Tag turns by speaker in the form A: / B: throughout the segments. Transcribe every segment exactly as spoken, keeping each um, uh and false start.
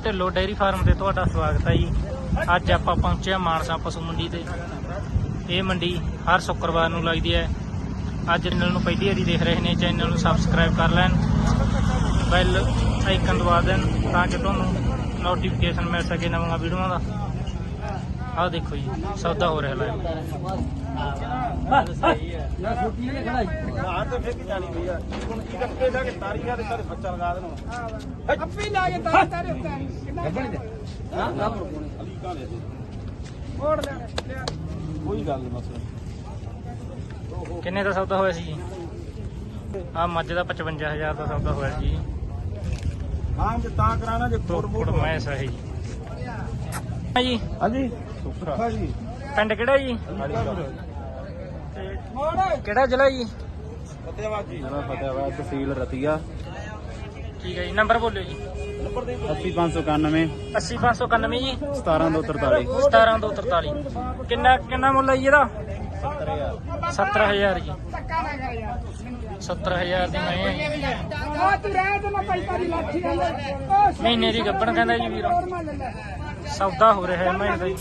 A: Dhillon dairy farm ਤੇ ਤੁਹਾਡਾ ਸਵਾਗਤ ਹੈ ਜੀ। ਅੱਜ ਆਪਾਂ ਪਹੁੰਚੇ ਹਾਂ ਮਾਨਸਾ ਪਸ਼ੂ ਮੰਡੀ ਤੇ। ਇਹ ਮੰਡੀ ਹਰ ਸ਼ੁੱਕਰਵਾਰ ਨੂੰ ਲੱਗਦੀ ਹੈ। ਅੱਜ ਚੈਨਲ ਨੂੰ ਪਹਿਲੀ ਵਾਰੀ ਦੇਖ ਰਹੇ ਨੇ, ਚੈਨਲ ਨੂੰ ਸਬਸਕ੍ਰਾਈਬ ਕਰ ਲੈਣ, ਬੈਲ ਆਈਕਨ ਦਬਾ ਦੇਣ ਤਾਂ ਕਿ ਤੁਹਾਨੂੰ ਨੋਟੀਫਿਕੇਸ਼ਨ ਮਿਲ ਸਕੇ ਨਵੀਆਂ ਵੀਡੀਓਆਂ ਦਾ। ਆਹ ਦੇਖੋ ਜੀ ਸੌਦਾ ਹੋ ਰਿਹਾ ਲਾਈਵ। ਸਹੀ ਹੈ ਨਾ ਛੋਟੀ ਨੇ ਖੜਾਈ ਬਾਹਰ ਤੇ ਫੇਰ ਕੀ ਜਾਣੀ ਪਈ ਆ ਹੁਣ ਕੀ ਕੱਕੇ ਦਾ ਕਿ ਤਾਰੀਆਂ ਦੇ ਸਾਰੇ ਬੱਚਾ ਲਗਾ ਦੇਣਾ ਅੱਪੀ ਲਾ ਕੇ ਤਾਰ ਤਾਰੇ ਉੱਤੇ ਕਿੰਨਾ ਗੱਬਣੀ ਦੇ ਹਾਂ ਨਾ ਪਰੋਣੇ ਅਲੀ ਕਾ ਲੈ ਦੇ ਮੋੜ ਲੈ ਕੋਈ ਗੱਲ ਨਹੀਂ ਮਸਲਾ। ਕਿੰਨੇ ਦਾ ਸੌਦਾ ਹੋਇਆ ਸੀ ਜੀ? ਆ ਮੱਝ ਦਾ ਪਚਵੰਜਾ ਹਜ਼ਾਰ ਦਾ ਸੌਦਾ ਹੋਇਆ ਜੀ। ਹਾਂ ਜੇ ਤਾਂ ਕਰਾਣਾ ਜੇ ਫੋੜ ਫੋੜ ਮੈਂ ਸਹੀ ਜੀ। ਹਾਂਜੀ ਸੁਖਰਾ ਜੀ। ਪਿੰਡ ਕਿਹੜਾ ਜੀ? ਕਿਹੜਾ ਜ਼ਿਲ੍ਹਾ ਜੀ? ਫਤਿਆਬਾਦ ਜੀ। ਜ਼ਿਲ੍ਹਾ ਫਤਿਆਬਾਦ, ਤਹਿਸੀਲ ਰਤੀਆ। ਠੀਕ ਹੈ ਜੀ। ਨੰਬਰ ਬੋਲਿਓ ਜੀ। ਅੱਸੀ ਪੰਜ ਸੌ ਇਕਾਨਵੇਂ ਅੱਸੀ ਪੰਜ ਸੌ ਇਕਾਨਵੇਂ ਜੀ। ਸਤਾਰਾਂ ਦੋ ਤਰਤਾਲੀ ਸਤਾਰਾਂ ਦੋ ਤਰਤਾਲੀ। ਕਿੰਨਾ ਕਿੰਨਾ ਮੁੱਲ ਹੈ ਜੀ ਇਹਦਾ? ਸੱਤਰ ਹਜ਼ਾਰ ਸੱਤਰ ਹਜ਼ਾਰ ਜੀ। ਸੱਤਰ ਹਜ਼ਾਰ ਦੀ ਮੈਂ ਮਹੀਨੇ ਦੀ ਗੱਬਣ ਕਹਿੰਦਾ ਜੀ ਵੀਰ। ਸੌਦਾ ਹੋ ਰਿਹਾ ਹੈ ਮੈਂ ਦਾ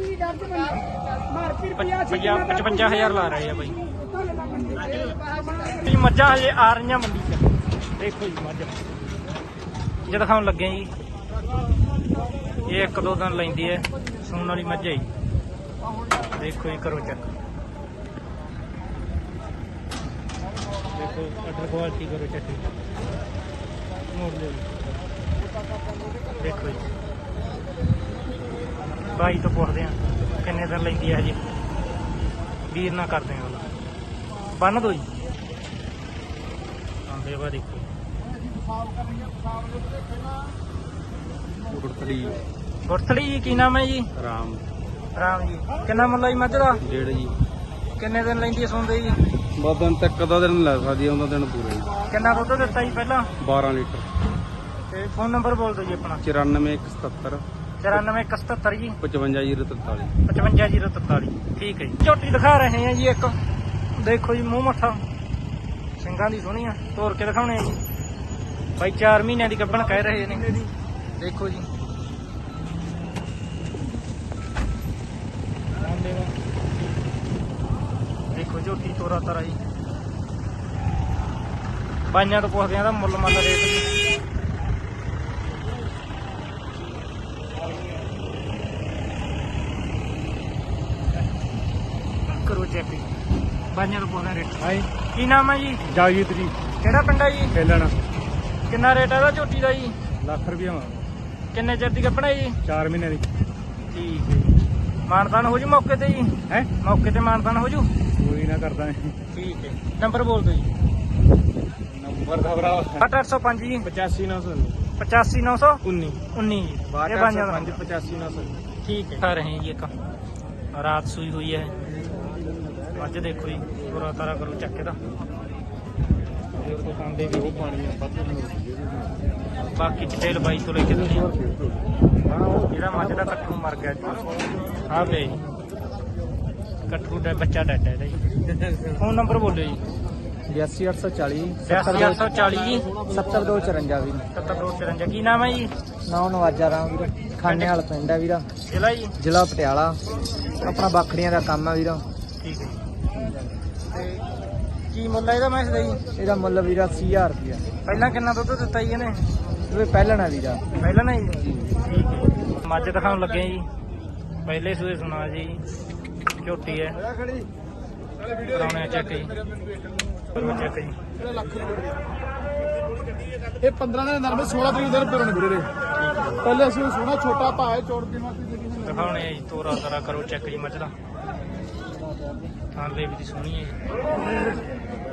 A: ਪਚਵੰਜਾ ਹਜ਼ਾਰ ਲਾ ਰਹੇ ਆ ਬਾਈ। ਇਹ ਮੱਝਾਂ ਹਜੇ ਆ ਰਹੀਆਂ ਮੰਡੀ ਚ। ਦੇਖੋ ਜੀ ਮੱਝ ਜੇ ਦਿਖਾਉਣ ਲੱਗੇ ਜੀ। ਇਹ ਇੱਕ ਦੋ ਦਿਨ ਲੈਂਦੀ ਹੈ ਸੂਣ ਵਾਲੀ ਮੱਝ ਹੈ ਜੀ। ਦੇਖੋ ਜੀ ਕਰੋ ਚੈੱਕ। ਦੇਖੋ ਅਡਰ ਕੁਆਲਿਟੀ ਕਰੋ ਚੈੱਕ। ਮੋੜ ਲਿਓ ਦੇਖੋ ਜੀ। ਬਾਈ ਤੋਂ ਪੁੱਛਦੇ ਆ ਕਿੰਨੇ ਦਿਨ ਲੈਂਦੀ ਹੈ ਹਜੇ। ਵੀਰ ਨਾ ਕਰਦੇ ਆ ਬੰਨ ਦੋ ਜੀ। ਆਂਦੇ ਵਾ ਦੇਖੋ ਗੁਰਥਲੀ ਗੁਰਥਲੀ ਜੀ। ਕੀ ਨਾਮ ਹੈ ਜੀ? ਰਾਮ ਰਾਮ ਜੀ। ਕਿੰਨਾ ਮੁੱਲ ਜੀ ਮੱਝ ਦਾ? ਡੇਢ ਜੀ। ਕਿੰਨੇ ਦਿਨ ਲੈਂਦੀ ਹੈ ਸੌਂਦੇ ਜੀ? ਬਹੁਤ ਦਿਨ ਤੱਕ ਦਾ ਦਿਨ ਲੈ ਸਕਦੀ ਹੈ, ਉਹਦਾ ਦਿਨ ਪੂਰਾ ਜੀ। ਕਿੰਨਾ ਦੁੱਧ ਦਿੱਤਾ ਜੀ ਪਹਿਲਾਂ? ਬਾਰਾਂ ਲੀਟਰ। ਤੇ ਫੋਨ ਨੰਬਰ ਬੋਲ ਦਿਓ ਜੀ ਆਪਣਾ। ਚੁਰਾਨਵੇਂ ਇੱਕ ਸਤੱਤਰ ਚੁਰਾਨਵੇਂ ਇੱਕ ਸਤੱਤਰ ਜੀ। ਪਚਵੰਜਾ ਜੀਰੋ ਤਰਤਾਲੀ ਪਚਵੰਜਾ ਜੀਰੋ ਤਰਤਾਲੀ। ਠੀਕ ਹੈ ਜੀ। ਝੋਟੀ ਦਿਖਾ ਰਹੇ ਆ ਜੀ ਇੱਕ। ਦੇਖੋ ਜੀ ਮੂੰਹ ਮੱਥਾ ਸਿੰਘਾਂ ਦੀ ਸੋਹਣੀ ਆ। ਤੋਰ ਕੇ ਦਿਖਾਉਣੇ ਆ ਜੀ ਬਾਈ। ਚਾਰ ਮਹੀਨਿਆਂ ਦੀ ਗੱਭਣ ਕਹਿ ਰਹੇ ਨੇ। ਦੇਖੋ ਜੀ ਦੇਖੋ ਝੋਟੀ ਤੋਰਾ ਤਾਰਾ ਜੀ। ਬਾਈਆਂ ਤੋਂ ਪੁੱਛਦੇ ਆ ਦਾ ਮੁੱਲ ਮੰਨ ਰੇਟ। ਕਰੋ ਚੈੱਕ ਜੀ। ਬਾਈਆਂ ਤੋਂ ਪੁੱਛਦੇ ਰੇਟ। ਹਾਂਜੀ ਕੀ ਨਾਮ ਹੈ ਜੀ? ਜਾਗੀਤ ਜੀ। ਕਿਹੜਾ ਪਿੰਡ ਹੈ ਜੀ? ਖੇਲਣਾ। ਕਿੰਨਾ ਰੇਟ ਹੈ ਇਹਦਾ ਝੋਟੀ ਦਾ ਜੀ? ਲੱਖ ਰੁਪਇਆ। ਕਿੰਨੇ ਚਿਰ ਦੀ ਗੱਭਣ ਹੈ ਜੀ? ਚਾਰ ਮਹੀਨੇ ਦੀ। ਠੀਕ ਹੈ ਜੀ। ਮਾਨਤਾਨ ਹੋ ਜੂ ਮੌਕੇ ਤੇ ਜੀ? ਹੈ ਮੌਕੇ ਤੇ ਮਾਨਤਾਨ ਹੋ ਜੂ? ਕੋਈ ਨਾ ਕਰਦਾ। ਠੀਕ ਹੈ। ਨੰਬਰ ਬੋਲ ਦਿਓ ਜੀ। ਨੰਬਰ ਦਾ ਭਰਾ ਅੱਠ ਅੱਠ ਸੌ ਪੰਜ ਜੀ। ਪਚਾਸੀ ਨੌ ਸੌ ਪਚਾਸੀ ਨੌ ਸੌ ਉੱਨੀ ਉੱਨੀ ਜੀ। ਇਹ ਬਾਈਆਂ ਦਾ ਪਚਾਸੀ ਨੌ ਸੌ। ਠੀਕ ਹੈ। ਖਾ ਰਹੇ ਜੀ ਇੱਕ ਰਾਤ ਸੂਈ ਹੋਈ ਹੈ ਅੱਜ। ਦੇਖੋ ਜੀ ਪੂਰਾ ਤਾਰਾ ਕਰੋ ਚੱਕ ਇਹਦਾ। ਖਾਂਦੇ ਵੀ ਬਾਕੀ ਡਿਟੇਲ ਬਾਈ ਤੋਂ ਲੈ ਕੇ ਦਿੰਦੇ ਆ। ਜਿਹੜਾ ਮੱਝ ਦਾ ਕੱਟੂ ਮਰ ਗਿਆ ਜੀ। ਹਾਂ ਬਈ ਕੱਟੂ ਦਾ ਬੱਚਾ ਡੱਡ ਹੈ ਜੀ। ਫੋਨ ਨੰਬਰ ਬੋਲਿਓ ਜੀ। ਬਿਆਸੀ ਅੱਠ ਸੌ ਚਾਲੀ ਬਿਆਸੀ ਅੱਠ ਸੌ ਚਾਲੀ ਜੀ। ਸੱਤਰ ਦੋ ਚੁਰੰਜਾ ਵੀਰ। ਸੱਤਰ ਦੋ ਚੁਰੰਜਾ। ਕੀ ਨਾਮ ਹੈ ਜੀ? ਨਾਮ ਨਵਾਜਾ ਰਾਮ ਵੀਰ। ਖਾਨੇ ਵਾਲਾ ਪਿੰਡ ਹੈ ਵੀਰਾ। ਜ਼ਿਲ੍ਹਾ ਜੀ? ਜ਼ਿਲ੍ਹਾ ਪਟਿਆਲਾ। ਆਪਣਾ ਬਾਖੜੀਆਂ ਦਾ ਕੰਮ ਹੈ ਵੀਰਾ। ਠੀਕ ਹੈ। ਤੇ ਕੀ ਮੁੱਲ ਹੈ ਇਹਦਾ ਮੈਂ ਦਾ ਜੀ? ਇਹਦਾ ਮੁੱਲ ਵੀਰਾ ਅੱਸੀ ਹਜ਼ਾਰ ਰੁਪਇਆ। ਪਹਿਲਾਂ ਕਿੰਨਾ ਦੁੱਧ ਦਿੱਤਾ ਜੀ ਇਹਨੇ? ਇਹ ਪਹਿਲਾਂ ਨਾ ਵੀਰਾ। ਪਹਿਲਾਂ ਨਾ ਜੀ। ਠੀਕ ਹੈ। ਮੱਝ ਦਿਖਾਉਣ ਲੱਗੇ ਜੀ। ਪਹਿਲੇ ਸੂਏ ਸੁਣਾ ਜੀ। ਝੋਟੀ ਹੈ। ਕਰਾਉਣੇ ਚੈੱਕ ਜੀ। ਚੈੱਕ ਜੀ। ਇਹ ਪੰਦਰਾਂ ਦਿਨ ਨਰਮੇ ਸੋਲਾਂ ਤਰੀਕ ਦਿਨ ਪਰਣ ਵੀਰੇ। ਪਹਿਲੇ ਅਸੀਂ ਸੋਹਣਾ ਛੋਟਾ ਭਾਅ ਚੋੜ ਕੇ ਦਿਖਾਉਣੇ ਆ ਜੀ। ਤੋਰਾ ਤਾਰਾ ਕਰੋ ਚੈੱਕ ਜੀ ਮੱਝ ਦਾ। ਥਾਂ ਦੇ ਵੀ ਸੋਹਣੀ ਹੈ ਜੀ।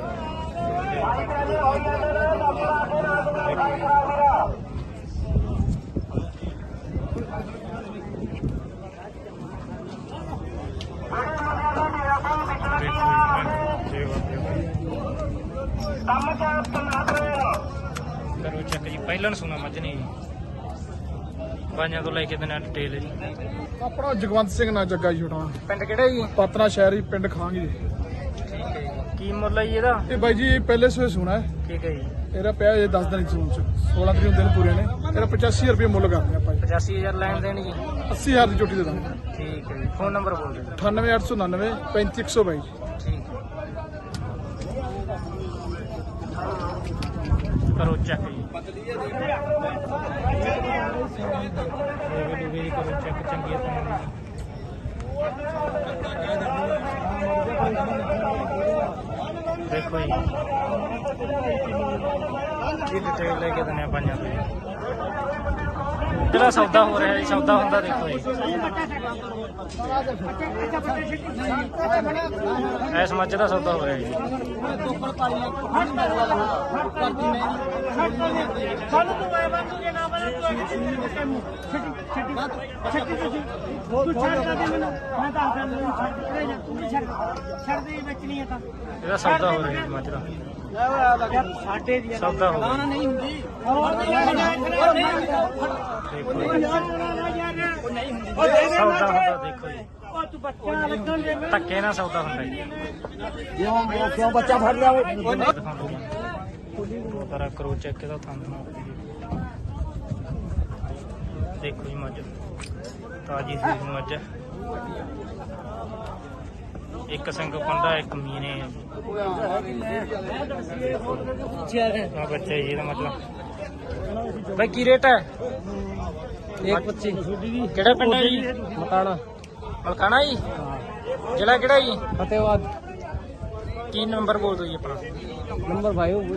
A: ਕਰੋ ਚੱਕ ਜੀ। ਪਹਿਲਾਂ ਸੁਣਾ ਮੱਝ ਨੇ ਜੀ। ਬਾਈਆਂ ਤੋਂ ਲੈ ਕੇ ਦਿਨਾਂ ਡਿਟੇਲ ਜੀ। ਆਪਣਾ ਜਗਵੰਤ ਸਿੰਘ ਨਾ ਜੱਗਾ ਜੀ। ਛੋਟਾ ਪਿੰਡ ਕਿਹੜਾ ਜੀ? ਪਤਨਾ ਸ਼ਹਿਰ ਜੀ। ਪਿੰਡ ਖਾਂਗੀ ਜੀ। ਠੀਕ ਹੈ ਜੀ। ਕੀ ਮੁੱਲ ਹੈ ਜੀ ਇਹਦਾ? ਇਹ ਬਾਈ ਜੀ ਪਹਿਲੇ ਸੂਏ ਸੁਣਾ ਹੈ। ਠੀਕ ਹੈ ਜੀ।
B: ਇਹਦਾ ਪਿਆ ਇਹ ਦਸ ਦਿਨ ਸੂਣ ਚ ਸੋਲਾਂ ਤਰੀਕ ਨੂੰ ਦਿਨ ਪੂਰੇ ਨੇ। ਇਹਦਾ ਪਚਾਸੀ ਹਜ਼ਾਰ ਰੁਪਏ ਮੁੱਲ ਕਰਦੇ ਆਪਾਂ ਜੀ।
A: ਪਚਾਸੀ ਹਜ਼ਾਰ ਲੈਣ ਦੇਣ ਜੀ।
B: ਅੱਸੀ ਹਜ਼ਾਰ ਦੀ ਝੋਟੀ ਦੇ ਦਾਂਗੇ।
A: ਠੀਕ ਹੈ ਜੀ। ਫੋਨ ਨੰਬਰ ਬੋਲ ਦਿਓ।
B: ਅਠਾਨਵੇਂ ਅੱਠ ਸੌ ਉਣਾਨਵੇਂ ਪੈਂਤੀ ਇੱਕ ਸੌ ਬਾਈ।
A: ਠੀਕ ਹੈ। ਕਰੋ ਚੈੱਕ ਜੀ। ਇਹ ਵੀ ਕਰੋ ਚੈੱਕ ਚੰਗੀ ਤਰ੍ਹਾਂ। ਦੇਖੋ ਜੀ ਇਹ ਡਿਟੇਲ ਲੈ ਕੇ ਦਿੰਦੇ ਆ ਪੰਜਾਂ ਤੋਂ। ਜਿਹੜਾ ਸੌਦਾ ਹੋ ਰਿਹਾ ਜੀ, ਸੌਦਾ ਹੁੰਦਾ ਦੇਖੋ ਜੀ। ਇਸ ਮੱਝ ਦਾ ਸੌਦਾ ਹੋ ਰਿਹਾ ਜੀ। ਇਹਦਾ ਸੌਦਾ ਹੋ ਰਿਹਾ ਜੀ ਮੱਝ ਦਾ। ਸੌਦਾ ਹੋ ਰਿਹਾ ਨਹੀਂ ਹੁੰਦੀ। ਸੌਦਾ ਹੁੰਦਾ ਦੇਖੋ ਜੀ। ਧੱਕੇ ਨਾਲ ਸੌਦਾ ਹੁੰਦਾ ਜੀ।
B: ਕਿਉਂ ਬੱਚਾ ਫੜ ਲਿਆ
A: ਸਾਰਾ ਕਰੋ ਚੈੱਕ ਇਹਦਾ ਥੰਦ ਨਾਲ ਦੇਖੋ ਜੀ ਮੱਝ ਤਾਜੀ ਸੀ ਮੱਝ। ਇੱਕ ਸਿੰਘ ਪੰਡਾ ਇੱਕ ਮੀਨੇ ਆ ਬੱਚਾ ਜੀ ਇਹਦਾ ਮਤਲਬ। ਬਾਈ ਕੀ ਰੇਟ ਹੈ? ਇੱਕ ਪੱਚੀ। ਕਿਹੜਾ ਪਿੰਡ ਹੈ ਜੀ? ਮਕਾਣਾ। ਮਲਕਾਣਾ ਜੀ। ਜ਼ਿਲ੍ਹਾ ਕਿਹੜਾ ਜੀ? ਫਤਿਹਵਾਦ। ਕੀ ਨੰਬਰ ਬੋਲ ਦਿਓ ਜੀ ਆਪਣਾ। ਨੰਬਰ ਭਾਈ ਉਹ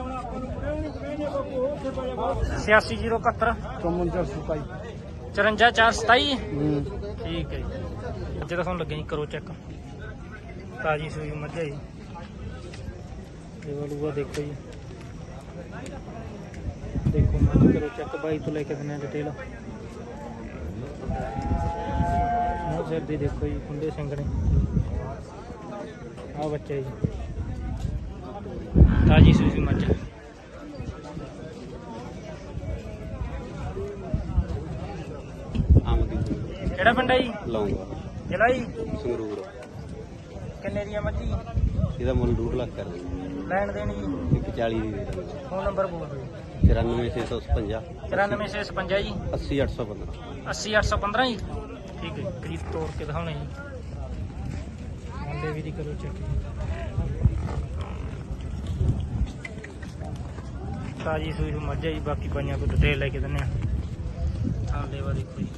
A: ਛਿਆਸੀ ਜ਼ੀਰੋ ਇਕਹੱਤਰ ਚੁਰੰਜਾ ਚਾਰ ਸਤਾਈ। ਠੀਕ ਹੈ ਜੀ। ਅੱਜ ਤਾਂ ਤੁਹਾਨੂੰ ਲੱਗੇ ਜੀ ਕਰੋ ਚੈੱਕ। ਤਾਜੀ ਸੂਈ ਮੱਝ ਹੈ ਜੀ। ਲੂਆ ਦੇਖੋ ਜੀ। ਦੇਖੋ ਮੱਝ ਕਰੋ ਚੈੱਕ। ਬਾਈ ਤੋਂ ਲੈ ਕੇ ਦਿੰਦੇ ਡਿਟੇਲ। ਮੂੰਹ ਸਿਰ ਦੀ ਦੇਖੋ ਜੀ। ਖੁੰਡੇ ਸਿੰਘ ਨੇ। ਆਹ ਬੱਚਾ ਜੀ ਤਾਜੀ ਸੂਈ ਮੱਝ। ਕਿਹੜਾ ਪਿੰਡ ਹੈ ਜੀ?
C: ਲਾਉਂਗਾ।
A: ਜ਼ਿਲ੍ਹਾ ਜੀ?
C: ਸੰਗਰੂਰ।
A: ਕਿੰਨੇ ਦੀ ਆ ਮੱਝੀ?
C: ਇਹਦਾ ਮੁੱਲ ਡੂਢ ਲੱਖ ਕਰ
A: ਲੈਣ ਦੇਣ ਜੀ?
C: ਇੱਕ ਚਾਲੀ ਦੀ ਦੇ ਦਾਂਗੇ।
A: ਫੋਨ ਨੰਬਰ ਬੋਲ ਦਿਓ।
C: ਚੁਰਾਨਵੇਂ ਛੇ ਸੌ ਛਪੰਜਾ
A: ਚੁਰਾਨਵੇਂ ਛੇ ਛਪੰਜਾ ਜੀ।
C: ਅੱਸੀ ਅੱਠ ਸੌ ਪੰਦਰਾਂ।
A: ਅੱਸੀ ਅੱਠ ਸੌ ਪੰਦਰਾਂ ਜੀ। ਠੀਕ ਹੈ। ਗਰੀਬ ਤੋੜ ਕੇ ਦਿਖਾਉਣੇ ਜੀ। ਆਂਡੇ ਵੀ ਦੀ ਕਰੋ ਚੈੱਕ। ਤਾਜੀ ਸੂਈ ਮੱਝ ਹੈ ਜੀ। ਬਾਕੀ ਪਾਈਆਂ ਤੋਂ ਡਿਟੇਲ ਲੈ ਕੇ ਦਿੰਦੇ ਆ। ਥਾਂ ਦੇਵਾ ਦੇਖੋ ਜੀ।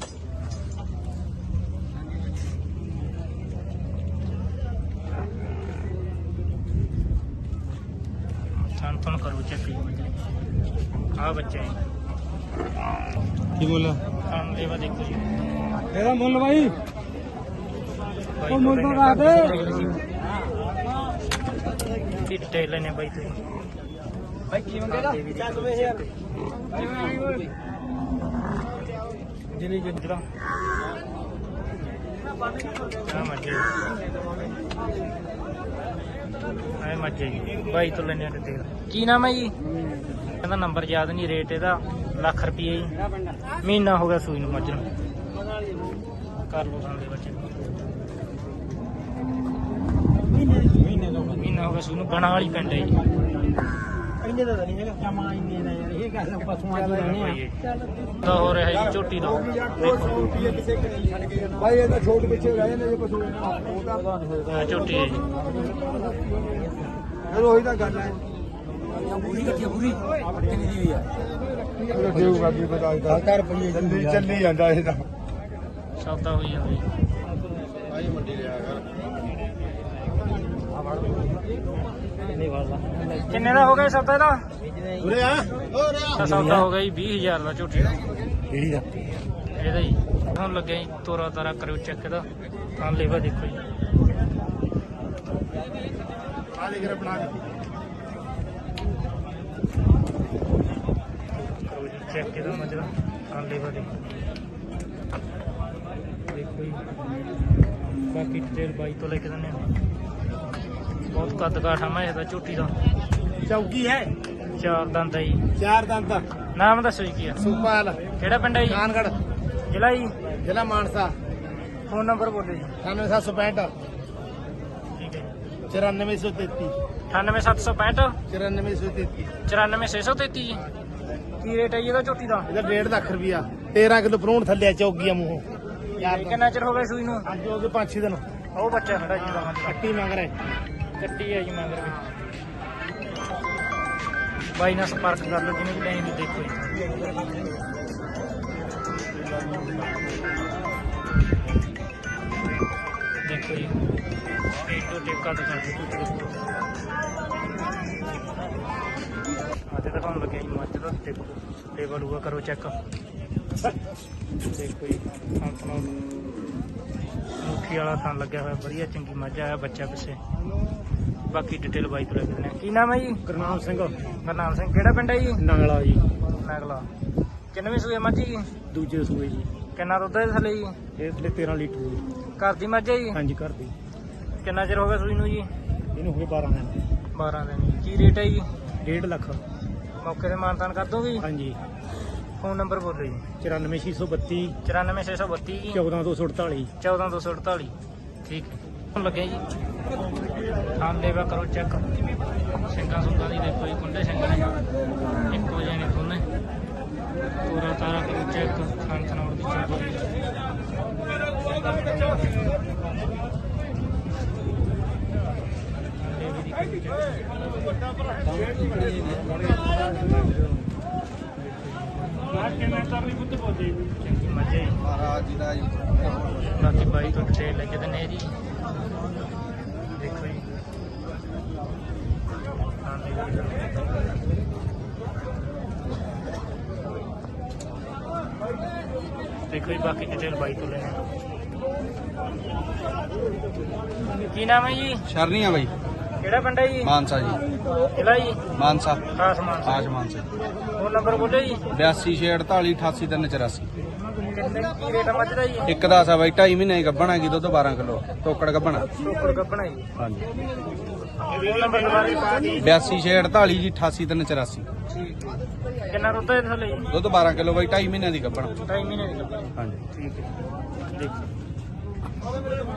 A: ਥਾਂ ਥਾਂ ਕਰੋ ਚੈੱਕ ਜੀ। ਆਹ ਬੱਚਾ ਜੀ।
B: ਕੀ ਮੁੱਲ?
A: ਥਾਂ ਦੇਵਾ ਦੇਖੋ ਜੀ।
B: ਇਹਦਾ ਮੁੱਲ ਬਾਈ
A: ਉਹ ਮੁੱਲ ਤਾਂ ਦੱਸ ਦੇ। ਡਿਟੇਲ ਲੈਣੇ ਬਾਈ ਤੇ।
B: ਬਾਈ ਕੀ ਮੰਗੇਗਾ? ਚੱਲ ਵੇ ਯਾਰ
A: ਜਿਲੀ ਜਿੰਦਰਾ ਆ ਮੱਝੇ ਆ ਮੱਝੇ ਜੀ। ਬਾਈ ਤੋਂ ਲੈਣੇ ਡਿਟੇਲ। ਕੀ ਨਾਮ ਹੈ ਜੀ? ਕਹਿੰਦਾ ਨੰਬਰ ਯਾਦ ਨਹੀਂ। ਰੇਟ ਇਹਦਾ ਲੱਖ ਰੁਪਏ ਜੀ। ਮਹੀਨਾ ਹੋ ਗਿਆ ਸੂਈ ਨੂੰ ਮੱਝ ਨੂੰ। ਕਰ ਲਓ ਸਾਡੇ ਬੱਚੇ ਮਹੀਨਾ ਹੋ ਗਿਆ ਸੂਈ ਨੂੰ। ਬਣਾ ਵਾਲੀ ਪਿੰਡ ਹੈ ਜੀ।
B: ਇੰਨੇ ਦਾ ਨਹੀਂ ਹੈਗਾ ਜਮਾ ਇੰਨੇ ਦਾ ਯਾਰ। ਇਹ ਗੱਲ ਪਸ਼ੂਆਂ ਦੀ ਲੈਣੇ ਆ।
A: ਤਾਂ ਹੋ ਰਿਹਾ ਜੀ ਝੋਟੀ ਦਾ। ਦੇਖੋ
B: ਭਾਈ ਇਹਦਾ ਛੋਟ ਪਿੱਛੇ ਰਹਿ ਜਾਂਦੇ ਜੇ ਪਸ਼ੂ ਉਹ ਤਾਂ
A: ਆਹ ਝੋਟੀ ਹੈ ਜੀ।
B: ਫਿਰ ਉਹੀ ਤਾਂ ਗੱਲ ਹੈ। ਪੂਰੀ ਕੱਟੀ ਪੂਰੀ ਕਿੰਨੀ ਦੀ ਹੋਈ ਆ? ਦੇਊ ਕਰਦੀ ਪਤਾ ਇਹਦਾ ਚੱਲੀ ਚੱਲੀ ਜਾਂਦਾ ਇਹ ਤਾਂ।
A: ਸੌਦਾ ਹੋਈ ਜਾਂਦਾ ਜੀ।
B: ਭਾਈ ਮੰਡੀ ਲਿਆ ਕਰ।
A: ਨਹੀਂ ਵਾਲਾ ਕਿੰਨੇ ਦਾ ਹੋ ਗਿਆ ਸੌਦਾ ਇਹਦਾ?
B: ਉਰੇ ਆ
A: ਤਾਂ ਸੌਦਾ ਹੋ ਗਿਆ ਜੀ ਵੀਹ ਹਜ਼ਾਰ ਦਾ ਝੋਟੀ ਦਾ।
B: ਕਿਹੜੀ ਦਾ?
A: ਇਹਦਾ ਜੀ ਹੁਣ ਲੱਗਿਆ ਜੀ ਤੋਰਾ ਤਾਰਾ ਕਰਿਓ ਚੈੱਕ ਇਹਦਾ। ਤਾਂ ਲੇਵਾ ਦੇਖੋ ਜੀ।
B: ਆ ਲੈ ਕੇ ਬਣਾ ਕੇ
A: ਕਰੋ ਜੀ ਚੈੱਕ ਇਹਦਾ ਮੱਝ ਦਾ। ਤਾਂ ਲੇਵਾ ਦੇਖੋ ਦੇਖੋ ਜੀ। ਬਾਕੀ ਡਿਟੇਲ ਬਾਈ ਤੋਂ ਲੈ ਕੇ ਦਿੰਦੇ ਆ। ਬਹੁਤ ਕੱਦ ਕਾਠਾ ਮੈਂ ਇਹਦਾ ਝੋਟੀ ਦਾ।
B: ਚੌਕੀ ਹੈ।
A: ਚਾਰ ਦੰਦ ਹੈ ਜੀ।
B: ਚਾਰ ਦੰਦ ਤੱਕ।
A: ਨਾਮ ਦੱਸੋ ਜੀ ਕੀ ਆ?
B: ਸੁਪਾਲ
A: ਕਿਹੜਾ ਪਿੰਡ ਹੈ ਜੀ?
B: ਕਾਨਗੜ
A: ਜ਼ਿਲ੍ਹਾ ਜੀ?
B: ਜ਼ਿਲ੍ਹਾ ਮਾਨਸਾ।
A: ਫੋਨ ਨੰਬਰ ਬੋਲੋ ਜੀ।
B: ਅਠਾਨਵੇਂ ਸੱਤ ਸੌ ਪੈਂਹਠ
A: ਠੀਕ ਹੈ ਜੀ।
B: ਚੁਰਾਨਵੇਂ ਸੌ ਤੇਤੀ।
A: ਅਠਾਨਵੇਂ ਸੱਤ ਸੌ ਪੈਂਹਠ
B: ਚੁਰਾਨਵੇਂ ਸੌ ਤੇਤੀ
A: ਚੁਰਾਨਵੇਂ ਛੇ ਸੌ ਤੇਤੀ ਜੀ। ਕੀ ਰੇਟ ਹੈ ਜੀ ਇਹਦਾ ਝੋਟੀ ਦਾ?
B: ਇਹਦਾ ਡੇਢ ਲੱਖ ਰੁਪਿਆ ਤੇਰਾਂ ਕਿਲੋ ਭਰੂਣ ਥੱਲੇ ਚੌਗੀਆਂ ਮੂੰਹੋਂ
A: ਕਿੰਨਾ ਚਿਰ ਹੋ ਗਿਆ ਸੂਈ ਨੂੰ?
B: ਅੱਜ ਹੋ ਗਏ ਪੰਜ ਛੇ ਦਿਨ
A: ਉਹ ਬੱਚਾ ਖੜਾ ਜੀ ਦਾ
B: ਕੱਟੀ ਮੰਗ ਰਿਹਾ
A: ਕੱਟੀ ਹੈ ਜੀ ਮਗਰ ਵੀ। ਬਾਈ ਨਾਲ ਸੰਪਰਕ ਕਰ ਲਓ ਜਿਹਨੇ ਵੀ ਲੈਣੀ ਵੀ। ਦੇਖੋ ਜੀ ਦੇਖੋ ਜੀ ਇੱਕ ਦੋ ਟੇਪ ਕੱਟ ਕਰਕੇ ਅੱਜ ਤਾਂ ਤੁਹਾਨੂੰ ਲੱਗਿਆ ਜੀ ਮੱਝ ਦਾ ਟੇਪ ਟੇਬਲ ਹੋਊਗਾ, ਕਰੋ ਚੈੱਕ। ਦੇਖੋ ਜੀ ਥਾਂ ਥਾਂ ਮੁੱਠੀ ਵਾਲਾ ਥਾਂ ਲੱਗਿਆ ਹੋਇਆ, ਵਧੀਆ ਚੰਗੀ ਮੱਝ ਆਇਆ ਬੱਚਾ ਪਿੱਛੇ। ਬਾਕੀ ਡਿਟੇਲ ਬਾਈ ਤੋਂ ਲੈ ਕੇ ਦਿੰਦੇ ਹਾਂ। ਕੀ ਨਾਮ ਹੈ ਜੀ?
B: ਗੁਰਨਾਮ ਸਿੰਘ
A: ਗੁਰਨਾਮ ਸਿੰਘ। ਕਿਹੜਾ ਪਿੰਡ ਹੈ ਜੀ?
B: ਨੰਗਲਾ ਜੀ
A: ਨਗਲਾ। ਕਿੰਨਵੀਂ ਸੂਏ ਮੱਝ ਜੀ?
B: ਦੂਜੇ ਸੂਏ ਜੀ
A: ਕਿੰਨਾ ਦੁੱਧ ਹੈ ਥੱਲੇ ਜੀ?
B: ਇਹ ਥੱਲੇ ਤੇਰਾਂ ਲੀਟਰ ਜੀ
A: ਘਰ ਦੀ ਮੱਝ ਹੈ ਜੀ?
B: ਹਾਂਜੀ ਘਰ ਦੀ।
A: ਕਿੰਨਾ ਚਿਰ ਹੋ ਗਿਆ ਸੂਈ ਨੂੰ ਜੀ?
B: ਇਹਨੂੰ ਹੋ ਗਏ ਬਾਰਾਂ ਦਿਨ
A: ਬਾਰਾਂ ਦਿਨ। ਕੀ ਰੇਟ ਹੈ ਜੀ?
B: ਡੇਢ ਲੱਖ
A: ਮੌਕੇ ਤੇ ਮਾਨਤਾਨ ਕਰ ਦੋਗੇ?
B: ਹਾਂਜੀ।
A: ਫੋਨ ਨੰਬਰ ਬੋਲੋ ਜੀ।
B: ਚੁਰਾਨਵੇਂ ਛੇ ਸੌ ਬੱਤੀ
A: ਚੁਰਾਨਵੇਂ ਛੇ ਸੌ ਬੱਤੀ ਜੀ
B: ਚੌਦਾਂ ਦੋ ਸੌ ਅੜਤਾਲੀ
A: ਚੌਦਾਂ ਦੋ ਸੌ ਅੜਤਾਲੀ। ਠੀਕ ਹੈ। ਹੁਣ ਲੱਗਿਆ ਜੀ ਥਾਂ ਲੇਵਾ ਕਰੋ ਚੈੱਕ। ਸਿੰਘਾਂ ਸੁੰਗਾਂ ਦੀ ਦੇਖੋ ਜੀ, ਕੁੰਡੇ ਸਿੰਘ ਨੇ ਇੱਕੋ ਜਿਹੇ ਨੇ ਦੋਨੇ। ਪੂਰਾ ਤਾਰਾ ਕਰੋ ਚੈੱਕ। ਥਾਂ ਥਣਾਉਣ ਦੀ ਚੈੱਕ। ਚੰਗੀ ਮੱਝੇ
B: ਮਹਾਰਾਜ ਜੀ ਦਾ ਜੀ
A: ਬਾਕੀ ਬਾਈ ਤੋਂ ਡਿਟੇਲ ਲੈ ਕੇ ਦਿੰਦੇ ਆ ਜੀ। ਦੇਖੋ ਜੀ ਹਾਂ ਦੇਖੋ ਜੀ ਬਾਕੀ ਡਿਟੇਲ ਬਾਈ ਤੋਂ ਲੈਣੇ। ਕੀ ਨਾਮ ਹੈ ਜੀ?
B: ਸ਼ਰਨੀਆਂ ਬਾਈ
A: ਕਿਹੜਾ ਪਿੰਡ ਹੈ ਜੀ?
B: ਮਾਨਸਾ ਜੀ
A: ਜ਼ਿਲ੍ਹਾ ਜੀ?
B: ਮਾਨਸਾ
A: ਖਾਸ ਮਾਨਸਾ।
B: ਆਜ ਮਾਨਸਾ
A: ਫੋਨ ਨੰਬਰ ਬੋਲੋ ਜੀ।
B: ਬਿਆਸੀ ਛੇ ਅੜਤਾਲੀ ਅਠਾਸੀ ਤਿੰਨ ਚੁਰਾਸੀ।
A: ਕਿੰਨੇ ਕੀ ਰੇਟ ਆ ਮੱਝ ਦਾ ਜੀ?
B: ਇੱਕ ਦਸ ਆ ਬਾਈ ਢਾਈ ਮਹੀਨੇ ਗੱਭਣ ਹੈਗੀ ਦੁੱਧ ਬਾਰਾਂ ਕਿਲੋ ਟੋਕੜ ਗੱਭਣ
A: ਟੋਕੜ ਗੱਭਣਾ ਜੀ।
B: ਹਾਂਜੀ।
A: ਫੋਨ ਨੰਬਰ ਦੁਬਾਰਾ ਜੀ।
B: ਬਿਆਸੀ ਛੇ ਅੜਤਾਲੀ ਜੀ ਅਠਾਸੀ ਤਿੰਨ ਚੁਰਾਸੀ।
A: ਠੀਕ ਹੈ। ਕਿੰਨਾ ਦੁੱਧ ਹੈ ਥੱਲੇ ਜੀ?
B: ਦੁੱਧ ਬਾਰਾਂ ਕਿਲੋ ਬਾਈ ਢਾਈ ਮਹੀਨਿਆਂ ਦੀ ਗੱਭਣ
A: ਢਾਈ ਮਹੀਨੇ ਦੀ ਗੱਭਣਾ।
B: ਹਾਂਜੀ।
A: ਠੀਕ ਹੈ। ਦੇਖੋ